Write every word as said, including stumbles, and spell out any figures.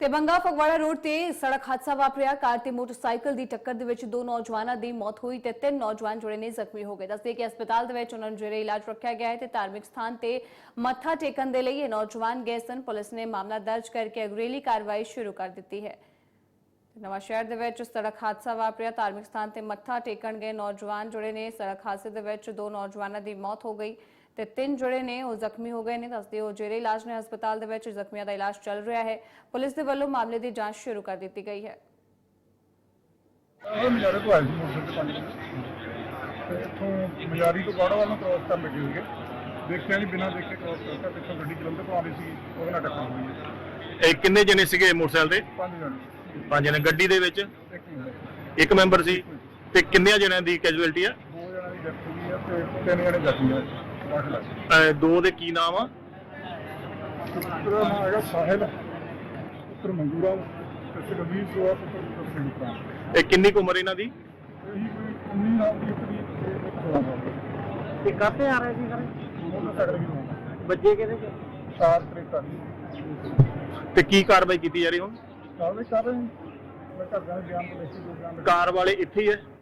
ਤੇ ਬੰਗਾ ਫਗਵਾੜਾ ਰੋਡ ਤੇ ਸੜਕ ਹਾਦਸਾ ਵਾਪਰਿਆ। ਕਾਰ ਤੇ ਮੋਟਰਸਾਈਕਲ ਦੀ ਟੱਕਰ ਦੇ ਵਿੱਚ ਦੋ ਨੌਜਵਾਨਾਂ ਦੀ ਮੌਤ ਹੋਈ ਤੇ ਤਿੰਨ ਨੌਜਵਾਨ ਜਿਹੜੇ ਨੇ ਜ਼ਖਮੀ ਹੋ ਗਏ। ਦੱਸਦੇ ਕਿ ਹਸਪਤਾਲ ਦੇ ਵਿੱਚ ਉਹਨਾਂ ਨੂੰ ਜਿਹੜੇ ਇਲਾਜ ਰੱਖਿਆ ਗਿਆ ਹੈ ਤੇ ਧਾਰਮਿਕ ਸਥਾਨ ਤੇ ਮੱਥਾ ਟੇਕਣ ਦੇ ਲਈ ਇਹ ਨੌਜਵਾਨ ਗਏ ਸਨ। ਪੁਲਿਸ ਨੇ ਮਾਮਲਾ ਦਰਜ ਕਰਕੇ ਅਗਰੇਲੀ ਕਾਰਵਾਈ ਸ਼ੁਰੂ ਕਰ ਦਿੱਤੀ ਹੈ। ਨਵਾਂ ਸ਼ਹਿਰ ਦੇ ਵਿੱਚ ਸੜਕ ਹਾਦਸਾ ਵਾਪਰਿਆ। ਧਾਰਮਿਕ ਸਥਾਨ ਤੇ ਮੱਥਾ ਟੇਕਣ ਗਏ ਨੌਜਵਾਨ ਜਿਹੜੇ ਨੇ ਸੜਕ ਹਾਦਸੇ ਦੇ ਵਿੱਚ ਦੋ ਨੌਜਵਾਨਾਂ ਦੀ ਮੌਤ ਹੋ ਗਈ ਤੇ ਤਿੰਨ ਜਿਹੜੇ ਨੇ ਉਹ ਜ਼ਖਮੀ ਹੋ ਗਏ ਨੇ। ਦੱਸਦੇ ਹੋ ਜਿਹੜੇ ਇਲਾਜ ਨੇ ਹਸਪਤਾਲ ਦੇ ਵਿੱਚ ਜ਼ਖਮੀਆਂ ਦਾ ਇਲਾਜ ਚੱਲ ਰਿਹਾ ਹੈ। ਪੁਲਿਸ ਦੇ ਵੱਲੋਂ ਮਾਮਲੇ ਦੀ ਜਾਂਚ ਸ਼ੁਰੂ ਕਰ ਦਿੱਤੀ ਗਈ ਹੈ। ਮਜਾਰੇ ਤੋਂ ਆਏ ਸੀ ਮੋਟਰਸਾਈਕਲ ਤੇ ਇੱਥੋਂ ਮਜਾਰੀ ਤੋਂ ਬਾੜਾ ਵੱਲ ਨੂੰ ਕ੍ਰੋਸ ਕਰਨ ਲੱਗੇ ਸੀਗੇ। ਦੇਖਿਆ ਨਹੀਂ, ਬਿਨਾਂ ਦੇਖੇ ਕ੍ਰੋਸ ਕਰਤਾ। ਪਿੱਛੋਂ ਗੱਡੀ ਜਲੰਧਰ ਤੋਂ ਆ ਰਹੀ ਸੀ, ਉਹਦੇ ਨਾਲ ਟੱਕਰ ਹੋਈ ਹੈ। ਇਹ ਕਿੰਨੇ ਜਣੇ ਸੀਗੇ ਮੋਟਰਸਾਈਕਲ ਤੇ? ਪੰਜ ਜਣੇ। ਪੰਜ ਜਣੇ। ਗੱਡੀ ਦੇ ਵਿੱਚ ਇੱਕ ਮਿੰਟ। ਇੱਕ ਮੈਂਬਰ ਸੀ ਤੇ ਕਿੰਨੇ ਜਣਿਆਂ ਦੀ ਕੈਜੂਅਲਟੀ ਆ? ਦੋ ਜਣਿਆਂ ਦੀ ਡੈਥ ਹੋਈ ਹੈ ਤੇ ਤਿੰਨ ਜਣੇ ਜ਼ਖਮੀ ਆ। ਅਹ ਦੋ ਦੇ ਕੀ ਨਾਮ ਆ? ਪੁੱਤਰ ਦਾ ਨਾਮ ਹੈਗਾ ਸਾਹਿਲ, ਪੁੱਤਰ ਮੰਗੂਰਾ ਤੇ ਸੁਖਬੀਰ ਸੋਆ ਪੁੱਤਰ ਪੁੱਤਰ ਸਿੰਘ ਪ੍ਰਾਣ। ਇਹ ਕਿੰਨੀ ਕੁ ਉਮਰ ਇਹਨਾਂ ਦੀ? ਇਹੀ ਕੋਈ ਉੱਨੀ ਸਾਲ ਦੀ ਇੱਕ ਦੀ ਤੇ ਇੱਕ ਸੋਲਾਂ ਸਾਲ ਦੀ। ਤੇ ਕਾਹਤੇ ਆ ਰਹੇ ਸੀ ਸਰ? ਮੋਟਰਸਾਈਕਲ ਵੀ ਹੋਣਾ ਬੱਜੇ ਕਿਹਦੇ ਚ? ਚਾਰ ਕਰੇਟਾ ਦੀ। ਤੇ ਕੀ ਕਾਰਵਾਈ ਕੀਤੀ ਜਾ ਰਹੀ ਹੁਣ? ਕਾਰਵਾਈ ਕਰ ਰਹੇ ਹਾਂ। ਮੈਂ ਘਰਦਿਆਂ ਦੇ ਬਿਆਨ ਤੋਂ ਲਿਖ ਕੇ ਜੋ ਬਿਆਨ ਕਾਰ ਵਾਲੇ ਇੱਥੇ ਹੀ ਹੈ?